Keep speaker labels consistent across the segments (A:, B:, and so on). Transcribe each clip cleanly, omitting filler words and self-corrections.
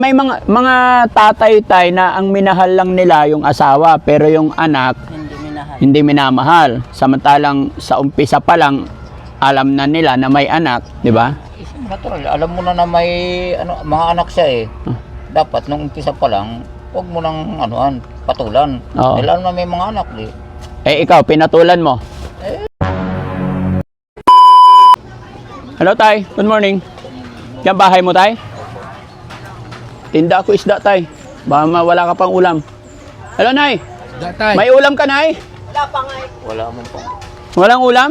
A: May mga tatay tay na ang minahal lang nila yung asawa pero yung anak hindi minamahal. Samantalang sa umpisa pa lang alam na nila na may anak, di ba?
B: Natural, alam mo na may mga anak siya eh. Dapat nung umpisa pa lang, huwag mo nang patulan.
A: Oo.
B: Dahil alam na may mga anak eh.
A: Eh ikaw, pinatulan mo. Hello tay, good morning. Yan bahay mo tay? Tinda ako isda tay. Baka wala ka pang ulam. Hello nay.
C: Tay.
A: May ulam ka nay?
D: Wala pa nga.
B: Wala mo pa.
A: Walang ulam?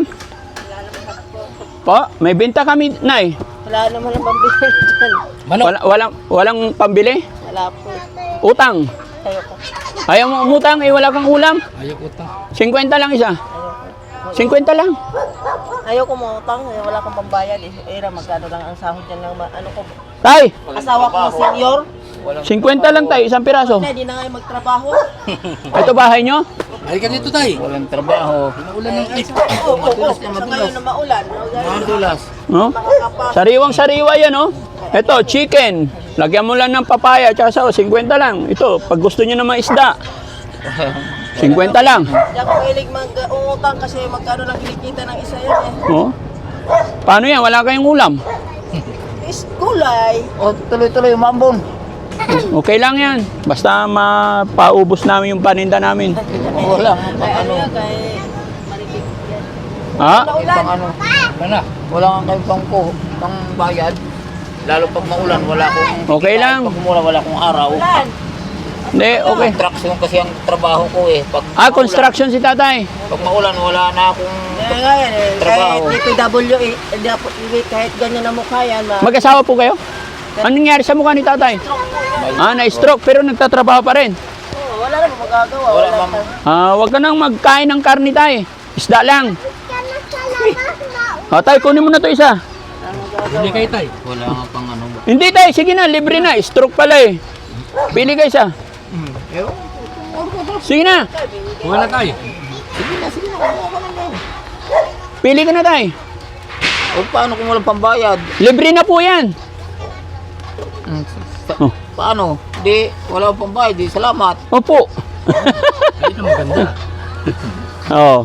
A: Po, may benta kami nay.
D: Wala naman ang pambili dyan.
C: Manok.
A: Walang pambili?
D: Wala po.
A: Utang.
D: Ayoko.
A: Ayaw mo umutang, wala kang ulam.
C: Ayok utang.
A: 50 lang isa. 50 lang.
D: Ayoko mo utang. Wala kang pambayad. Era, magkano lang ang sahod dyan ng ko.
A: Tay,
D: Asawa ko na senior.
A: 50 lang tay, isang piraso.
D: Hindi na nga magtrabaho.
A: Ito bahay nyo?
C: Halika dito, tay.
B: Walang trabaho.
C: Naulan ng ice.
D: Oo, sa ngayon na maulan.
B: Madulas.
A: No? Sariwang sariwa yan, oh. Ito, chicken. Lagyan mo lang ng papaya, tsaka sa 50 lang. Ito, pag gusto nyo naman isda. 50 lang.
D: Hindi ako mahilig mag-umutang kasi magkano lang kinikita ng isa yan eh.
A: Oh. Paano yan? Wala kayong ulam.
D: Is gulay.
B: O, tuloy-tuloy, umambon.
A: Okay lang yan. Basta mapaubos namin yung paninda namin.
B: Wala.
D: Kay ano yan, kay Maritig yan.
A: Ha?
D: Maulan.
B: Wala. Wala nga kayong pang bayad. Lalo pag maulan, wala akong...
A: Okay lang.
B: Pag umulan, wala akong araw.
D: Ulan.
A: Hindi, okay.
B: Construction kasi ang trabaho ko eh. Pag
A: Construction si tatay.
B: Pag maulan, wala na akong...
D: Kaya nga yan eh.
B: Trabaho.
D: Kahit DPW eh. Kahit ganyan na mukha yan.
A: Mag-asawa po kayo? Anong nangyari sa mukha ni tatay? Na-stroke pero nagtatrabaho pa rin.
D: Oo, wala na magagawa.
B: Wala,
D: Wala
B: ma'am.
A: Wag ka nang magkain ng karne tay. Isda lang. Tay, kunin mo na to isa.
C: Hindi kayo, tay.
B: Wala nga pang
A: Hindi tay, sige na, libre na. Stroke pala eh. Pili ka isa. Sige na.
C: Wala, tay.
A: Pili ka na tay.
B: O paano kung walang pambayad?
A: Libre na po yan. Oh.
B: Paano? Di, wala akong pambayad. Di, salamat.
A: Opo.
C: Ito maganda.
A: Oo.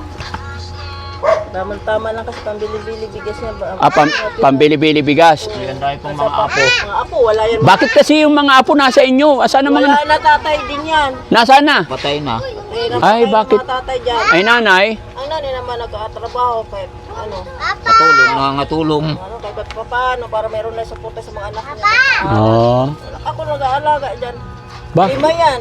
D: Tama lang kasi pambili-bili bigas niya.
A: Pambili-bili bigas.
B: Yan tayo pang mga apo.
D: Mga apo, wala yan.
A: Bakit kasi yung mga apo nasa inyo? Asan ang
D: Wala
A: mga...
D: na tatay din yan.
A: Nasaan na?
B: Patay na.
A: Ay, bakit?
D: Mga tatay dyan.
A: Ay nanay.
D: Ang nanay naman nag-atrabaho kahit
B: Matulong, nangangatulong.
D: kahit paano para meron na suporta sa mga anak niya.
A: Oo.
D: Ako nag-aalaga dyan.
A: Ba?
D: 5 yan.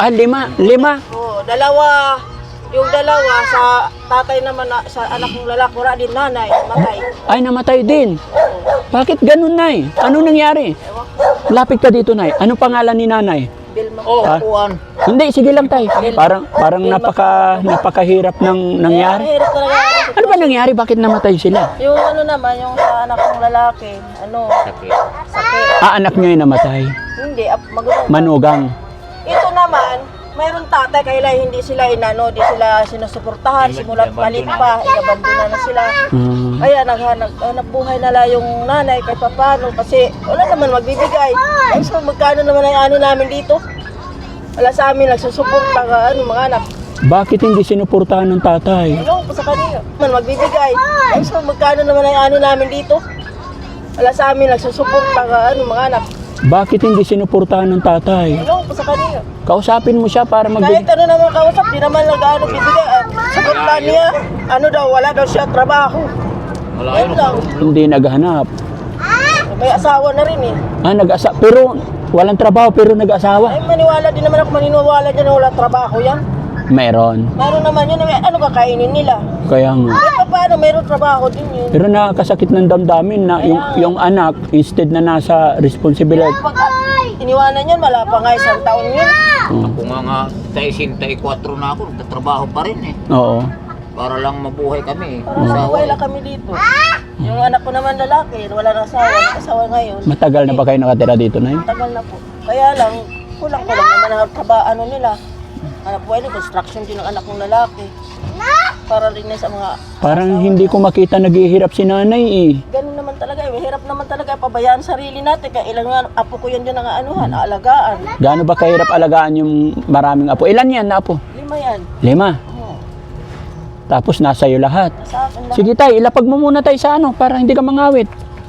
A: 5.
D: Oo, dalawa. Yung dalawa sa tatay naman sa anak ng lalaki, wala din nanay, matay.
A: Ay, namatay din. Bakit ganun, nay? Ano nangyari? Lapit ka dito, nay. Ano pangalan ni nanay?
D: Bilma.
B: Oh, kuwan.
A: Hindi, sige lang, tay. Parang napakahirap ng nangyari.
D: Hirap talaga.
A: Ano ba nangyari? Bakit namatay sila?
D: Yung naman, yung sa anak ng lalaki, sakit.
A: Anak niya yung namatay.
D: Hindi, magulang.
A: Manugang.
D: Ito naman, mayroong tatay, kaya hindi sila di sila sinusuportahan, simulat malit pa, inabandona na sila. Kaya naghanap buhay na lang yung nanay kahit papano kasi wala naman magbibigay. Ay, so magkano naman ang namin dito? Wala sa amin, nagsusuporta ka, mga anak.
A: Bakit hindi sinuportahan ng tatay?
D: Ano ko sa kanila? Man magbibigay. Ay, so magkano naman ang namin dito? Wala sa amin, nagsusuporta ka, mga anak.
A: Bakit hindi sinuportahan ng tatay?
D: Ano ko sa kanila?
A: Kausapin mo siya para
D: Kahit ano naman kausap, di naman bibigay. Sagot niya, wala daw siya trabaho.
B: Wala
D: Ayun lang.
A: Hindi naghanap.
D: May asawa na rin eh.
A: Nag-asawa. Pero walang trabaho pero nag-asawa.
D: Ay, maniwala din naman ako maniniwala dyan na wala trabaho yan.
A: Meron.
D: Meron naman yun, ano kakainin nila?
A: Kaya nga.
D: Kahit paano, meron trabaho din yun.
A: Pero nakakasakit ng damdamin na yung anak, instead na nasa responsibilidad.
D: Pag iniwanan yun, wala pa nga 1 taon yun.
B: Ako nga 64 na ako, nagtatrabaho pa rin eh.
A: Oo.
B: Para lang mabuhay kami eh.
D: Parang nabuhay lang kami dito. Yung anak ko naman lalaki, wala na asawa, nag-asawa ngayon.
A: Matagal na ba kayo nakatira dito, Nay?
D: Tagal na po. Kaya lang, kulang-kulang naman ang trabaho nila. Anak buhay nila, construction din ng anak kong lalaki. Para rin na sa mga...
A: Parang hindi ko makita naghihirap si nanay eh.
D: Ganun naman talaga eh, mahirap mahirap naman talaga pabayaan sarili natin. Kaya ilang nga, apo ko yan ang anuhan, aalagaan.
A: Gaano ba kahirap alagaan yung maraming apo? Ilan yan na apo?
D: 5 yan.
A: 5.
D: Oo.
A: Tapos nasa iyo lahat.
D: Sa akin lang.
A: Sige tay, ilapag mo muna tayo sa ano para hindi ka mangawit.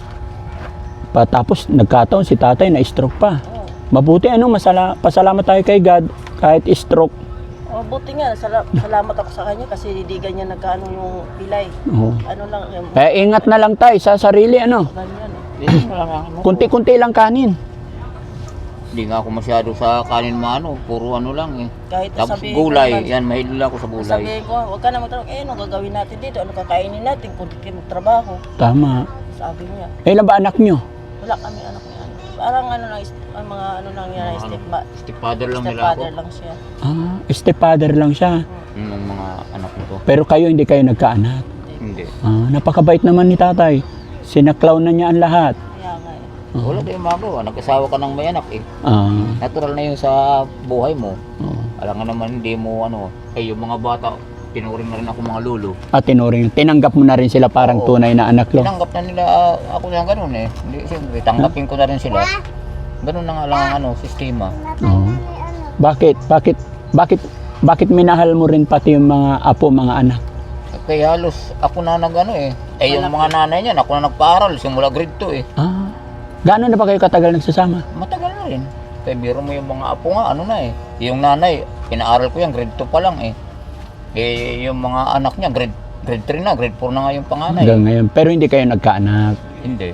A: Tapos nagkataon si tatay na stroke pa.
D: Oo.
A: Mabuti pasalamat tayo kay God kahit stroke.
D: Oh, buti nga, salamat ako sa kanya kasi hindi ganyan nagkaano yung pilay.
A: Oo.
D: Ano lang, yung
A: Ingat na lang tayo sa sarili ano.
D: ganyan eh.
B: Hindi mo lang ano.
A: Kunti-kunti lang kanin.
B: Hindi nga ako masyado sa kanin maano, puro ano lang eh.
D: Kahit
B: Tapos
D: sabihin ko
B: gulay,
D: naman,
B: yan mahilig ako sa gulay.
D: sabihin ko, huwag ka na magtrabaho. Ano gagawin natin dito? Ano kakainin natin kung di kayo magtrabaho?
A: Tama.
D: Sabi niya,
A: Ilan ba anak nyo?
D: wala kami anak niya. Parang ano lang, ang mga ano lang yan,
B: Stepfather lang nila ako.
D: stepfather lang siya.
A: Stepfather lang siya.
B: Yung mga anak nito.
A: Pero kayo hindi kayo nagkaanak.
B: Hindi.
A: Napakabait naman ni tatay. Sinaklaw na niya ang lahat.
D: Kaya nga eh.
B: Wala tayong magawa. Nag-asawa ka ng may anak eh. Natural na yun sa buhay mo. Alam nga naman hindi mo ano, yung mga bata, tinuring na rin ako mga lolo.
A: At tinuring, tinanggap mo na rin sila parang
B: Oo.
A: tunay na anak lo.
B: Tinanggap na nila ako na ganun eh. Hindi, siyempre, tanggapin ko na rin sila. Ganun na nga lang ang ano, sistema.
A: Oo. Bakit minahal mo rin pati yung mga apo, mga anak?
B: Kaya halos ako na nag-ano eh. Yung mga nanay niyan, ako na nagpaaral simula grade 2 eh.
A: Gaano na ba kayo katagal nagsasama?
B: Matagal na rin. Kaya biro mo yung mga apo nga, ano na eh. Yung nanay, pinaaral ko yan, grade 2 pa lang eh. Yung mga anak niya, grade 3 na, grade 4 na nga yung panganay.
A: Hanggang ngayon. Pero hindi kayo nagkaanak.
B: Hindi.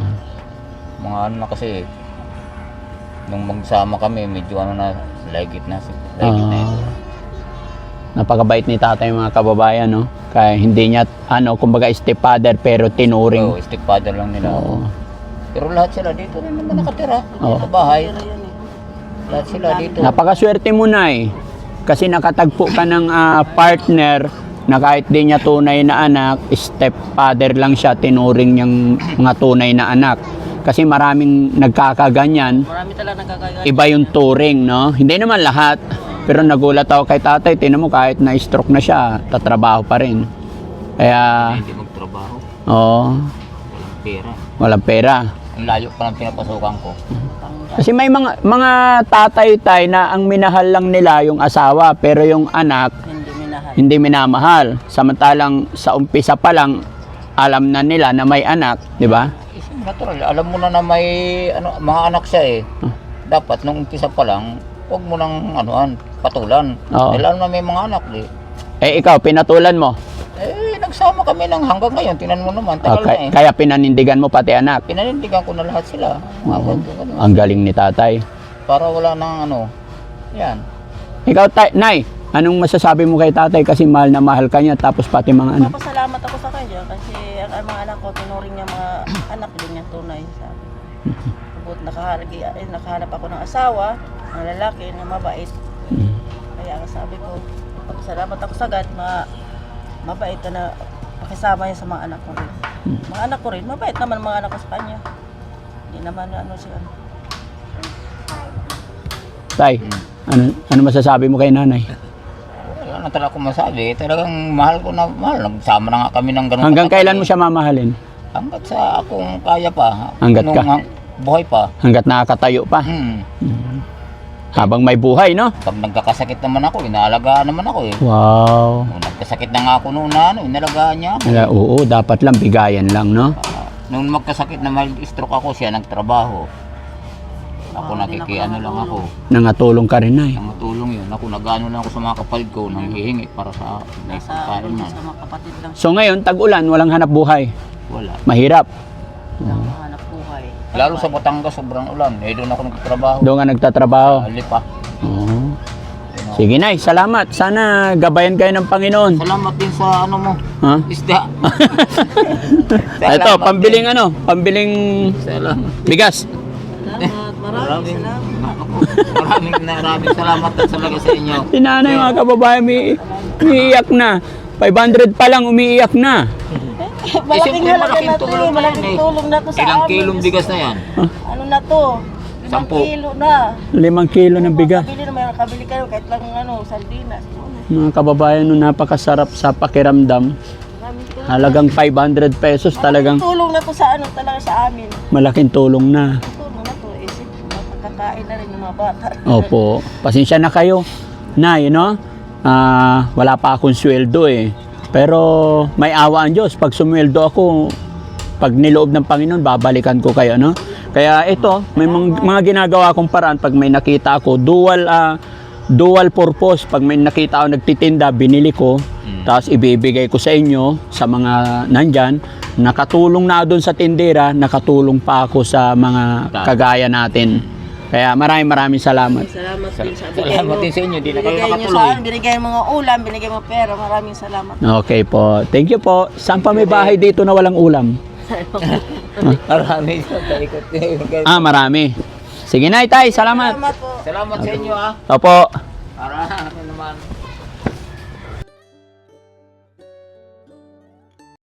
B: Mga ano na kasi, nung magsama kami, medyo ano na, legit na ito.
A: Napakabait ni tatay mga kababayan, no? Kaya hindi niya, kumbaga stepfather pero tinuring.
B: Oo, stepfather lang nila.
A: Oo.
B: Pero lahat sila dito rin naman nakatira.
A: Oo.
B: Sa bahay.
D: Pero yan eh.
B: Lahat sila dito.
A: Napakaswerte mo na eh. Kasi nakatagpo ka ng partner na kahit di niya tunay na anak, stepfather lang siya, tinuring niyang mga tunay na anak. Kasi maraming nagkakaganyan,
D: Marami talaga nagkakagaya.
A: iba yung turing, no? Hindi naman lahat. Pero nagulat ako kay tatay, tinan mo kahit na-stroke na siya, tatrabaho pa rin. Kaya,
B: Hindi magtrabaho.
A: walang
B: Pera.
A: walang pera.
B: Ang layo pa ng pinapasukan ko.
A: Kasi may mga tatay tay na ang minahal lang nila yung asawa, pero yung anak,
D: Hindi minahal.
A: hindi minamahal. Samantalang sa umpisa pa lang, alam na nila na may anak, di ba?
B: Natural. Alam mo na may ano, mga anak siya eh. Dapat nung umpisa pa lang, huwag mo nang patulan.
A: Oo.
B: Dahil alam na may mga anak eh.
A: Ikaw, pinatulan mo.
B: Nagsama kami ng hanggang ngayon. Tinan mo naman, tagal na eh.
A: Kaya pinanindigan mo pati anak.
B: Pinanindigan ko na lahat sila. Ganun.
A: Ang galing ni tatay.
B: Para wala nang yan.
A: Ikaw, Nay, anong masasabi mo kay tatay kasi mahal na mahal ka niya tapos pati mga anak?
D: Papasalamat ako sa kanya kasi ang mga anak ko, tinuring niya mga anak din niya tunay. Sabi ko. Bukod nakahanap ako ng asawa, ng lalaki na mabait. Kaya sabi ko, papasalamat ako sa God, mabait na pakisama niya sa mga anak ko rin. Mga anak ko rin, mabait naman mga anak ko sa kanya. Hindi naman siya.
A: Tay, ano masasabi mo kay nanay?
B: Wala na talaga akong masabi. Talagang mahal ko na mahal. Nagsama na nga kami ng ganun.
A: Hanggang
B: katagal
A: kailan mo
B: eh.
A: siya mamahalin?
B: Hanggat sa akong kaya pa.
A: Hanggat
B: Nung
A: ka?
B: Buhay pa.
A: Hanggat nakakatayo pa? Habang may buhay, no?
B: Pag nagkakasakit naman ako, inaalagaan naman ako eh.
A: Wow.
B: Nung nagkasakit na nga ako noon na inalagaan niya ako.
A: Oo, dapat lang bigayan lang, no?
B: Nung magkasakit na mild stroke ako, siya nagtrabaho. Ako nakikiano lang ako.
A: Nangatulong ka rin, Nay.
B: Nangatulong yun. Ako nag-ano lang ako sa mga kapatid ko, nanghihingi para sa may
D: Nasa
B: pagkain na.
D: sa mga kapatid lang
A: So ngayon, tag-ulan, walang hanap buhay.
B: Wala.
A: Mahirap.
D: siya hanap buhay.
B: Lalo sa Batangas, sobrang ulan. Doon ako nagtatrabaho.
A: Doon ka nagtatrabaho.
B: Lipa.
A: Oo. Sige, Nay, salamat. Sana gabayan kayo ng Panginoon.
B: Salamat din sa ano mo,
A: Ha?
B: isda.
A: Ito, pambiling pambiling
B: Salamat.
A: bigas.
D: Salamat, maraming salamat.
B: Maraming salamat talaga sa inyo.
A: Si nanay, mga kababayan, umiiyak na. 500 pa lang, umiiyak na.
D: Malaking
B: siyempre,
D: halaga
B: malaking
D: na to
B: tulong
D: eh.
B: na
D: Malaking
B: yan eh.
D: tulong na to sa
B: Ilang
D: amin.
B: kilong bigas na yan?
D: Ano na to? 5
B: 10.
D: kilo na.
A: 5 kilo ng bigas.
D: Kabili na, may kabili kayo kahit lang sardinas.
A: Mga kababayan, no, napakasarap sa pakiramdam.
D: Maraming tulong.
A: Halagang 500 pesos talagang
D: Tulong na to sa ano talaga sa amin.
A: malaking tulong na.
D: Tulong na to. Isip, mapagkakain na rin ng mga bata.
A: Opo. Pasensya na kayo. Na, wala pa akong sweldo eh. Pero may awa ang Diyos. Pag sumweldo ako, pag niloob ng Panginoon, babalikan ko kayo, no? Kaya ito, may mga ginagawa kong paraan pag may nakita ako, dual purpose. Pag may nakita ako nagtitinda, binili ko, tapos ibibigay ko sa inyo, sa mga nandyan. Nakatulong na doon sa tindera, nakatulong pa ako sa mga kagaya natin. Kaya maraming salamat.
D: Salamat din sa bigay
B: Salamat
D: mo.
B: din sa inyo, di na kayo
D: Binigay niyo sa
B: makatuloy.
D: akin, binigay mga ulam, binigay mga pera. Maraming salamat.
A: Okay po. Thank you po. Saan pa may bahay dito na walang ulam?
B: Marami sa ikot.
A: Marami. Sige na, Itay. Salamat.
D: Salamat po.
B: Salamat sa inyo, ha.
A: Opo.
B: Para ano naman.